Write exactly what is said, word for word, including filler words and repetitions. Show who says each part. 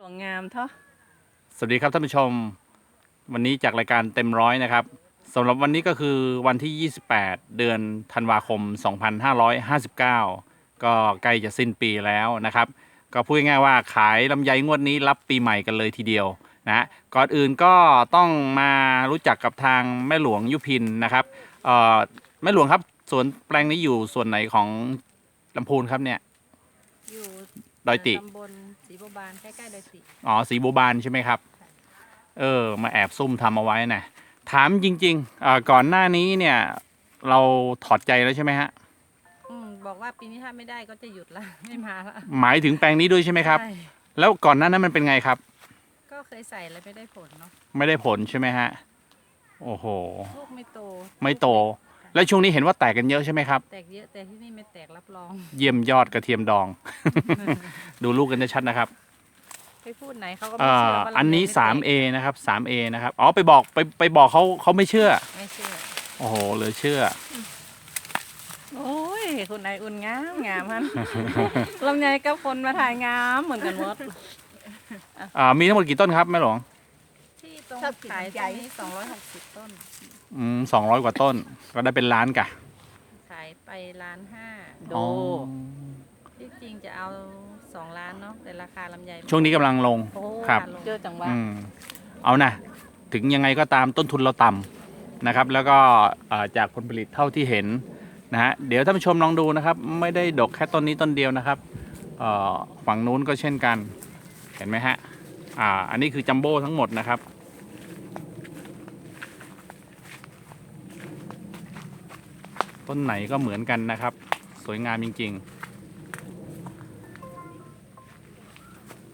Speaker 1: ของงามเถอะ
Speaker 2: สวัสดีครับท่านผู้ชมวันนี้จากรายการเต็มร้อยนะครับสำหรับวันนี้ก็คือวันที่ยี่สิบแปดเดือนธันวาคมสองพันห้าร้อยห้าสิบเก้าก็ใกล้จะสิ้นปีแล้วนะครับก็พูดง่ายๆว่าขายลำไยงวดนี้รับปีใหม่กันเลยทีเดียวนะก่อนอื่นก็ต้องมารู้จักกับทางแม่หลวงยุพินนะครับเอ่อแม่หลวงครับสวนแปลงนี้อยู่ส่วนไหนของลำพูนครับเนี่ย
Speaker 1: อยู่
Speaker 2: ดอยติ
Speaker 1: ตำบลศรีบัวบานใกล้ๆดอยติ
Speaker 2: อ๋อศรีบัวบานใช่ไหมครับเออมาแอบซุ่มทำเอาไว้นะถามจริงๆก่อนหน้านี้เนี่ยเราถอดใจแล้วใช่ไหมฮะ
Speaker 1: อืมบอกว่าปีนี้ถ้าไม่ได้ก็จะหยุดละไม่มาละ
Speaker 2: หมายถึงแปลงนี้ด้วยใช่ไหมครับ
Speaker 1: ใช่
Speaker 2: แล้วก่อนหน้านั้นมันเป็นไงครับ
Speaker 1: ก็เคยใส่แล้วไม่ได้ผลเนาะ
Speaker 2: ไม่ได้ผลใช่ไหมฮะโอ้โห
Speaker 1: ลูกไม่โต
Speaker 2: ไม่โตแล้วช่วงนี้เห็นว่าแตกกันเยอะใช่ไหมครับ
Speaker 1: แตกเยอะแต่ที่นี่ไม่แตกรับรอง
Speaker 2: เยี่ยมยอดกระเทียมดอง ดูลูกกันชัดนะครับ
Speaker 1: ไปพูดไหนเขาก็ไม่เชื่อว่า
Speaker 2: อันนี้
Speaker 1: ไม่แตก
Speaker 2: สาม เอ นะครับ สาม เอ นะครับอ๋อไปบอกไปไปบอกเขาเขาไม่เชื่อ
Speaker 1: ไม่เชื่อ
Speaker 2: โอ้โหเหลือเชื่อ
Speaker 1: โอ้ยคุณนายอุ่นงามงามฮัน ลำไยกับคนมาถ่ายงามเหมือนกันหมด
Speaker 2: อ่ามีทั้งหมดกี่ต้นครับแม่หลวง
Speaker 1: ที่ตรงขายตรงนี้สองร้อยหกสิบต้น
Speaker 2: อืมสองร้อยกว่าต้นก็ได้เป็นล้านกะ
Speaker 1: ขายไปล้านห้าโดที่จริงจะเอาสองล้านเนาะแต่ราคาลำไย
Speaker 2: ช่วงนี้กำลังลงครับ
Speaker 1: เจอจังหวะ
Speaker 2: เอานะถึงยังไงก็ตามต้นทุนเราต่ำนะครับแล้วก็จากผลผลิตเท่าที่เห็นนะฮะเดี๋ยวท่านผู้ชมลองดูนะครับไม่ได้ดกแค่ต้นนี้ต้นเดียวนะครับฝั่งนู้นก็เช่นกันเห็นไหมฮะอ่าอันนี้คือจัมโบ้ทั้งหมดนะครับต้นไหนก็เหมือนกันนะครับสวยงามจริงๆ